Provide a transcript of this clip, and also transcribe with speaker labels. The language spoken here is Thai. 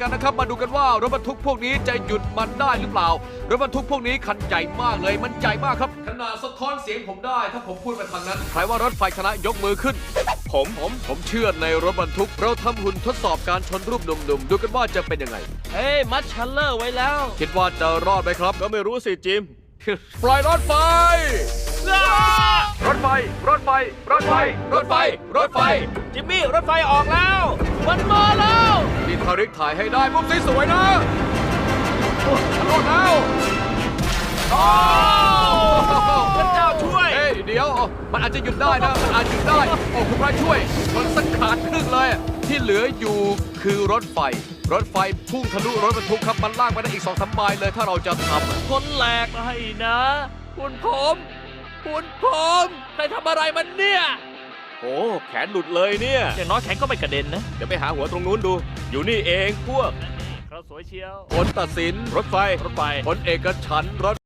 Speaker 1: กันนะครับ มาดูกันว่ารถบรรทุกพวกนี้จะหยุดมันได้หรือเปล่ารถบรรทุกพวกนี้คันใหญ่มากเลยมันใหญ่มากครับขนาดสะท้อนเสียงผมได้ถ้าผมพูดไปทางนั้นใครว่ารถไฟชนะยกมือขึ้น ผมเชื่อในรถบรรทุกเราทำหุ่นทดสอบการชนรูปหนุ่มๆดูกันว่าจะเป็นยังไง
Speaker 2: เฮ้ยมัดชัลเลอร์ไว้แล้ว
Speaker 1: คิดว่าจะรอดไหมครับ
Speaker 3: ก็ไม่รู้สิจิม
Speaker 1: ปล่อยรถไฟ รถไฟ รถไฟ รถไฟ รถไฟ รถไฟ
Speaker 2: จิมมี่รถไฟออกแล้ว มันมาแล้ว
Speaker 1: นี่ทาริกถ่ายให้ได้มุมสวยๆนะรอดแล้ว
Speaker 2: พระเจ้าช่วย
Speaker 1: เฮ้ยเดี๋ยว มันอาจจะหยุดได้นะ มันอาจหยุดได้ โอ้คุณพระช่วย มันสักขาดครึ่งเลย ที่เหลืออยู่คือรถไฟ รถไฟพุ่งทะลุรถบรรทุกครับ มันลากไปได้อีก2-3 ไมล์เลยถ้าเราจะทำ
Speaker 2: คนแหลกให้นะ คุณผมใครทำอะไรมันเนี่ย
Speaker 3: โอ้แขนหลุดเลยเนี่ย
Speaker 2: อย่างน้อยแขนก็ไม่กระเด็นนะ
Speaker 3: เดี๋ยวไปหาหัวตรงนู้นดู อยู่นี่เองพวก
Speaker 2: เขาสวยเชียว
Speaker 1: ผลตัดสิน
Speaker 3: รถไฟ
Speaker 2: รถไฟ
Speaker 1: ผลเอกฉันท์รถ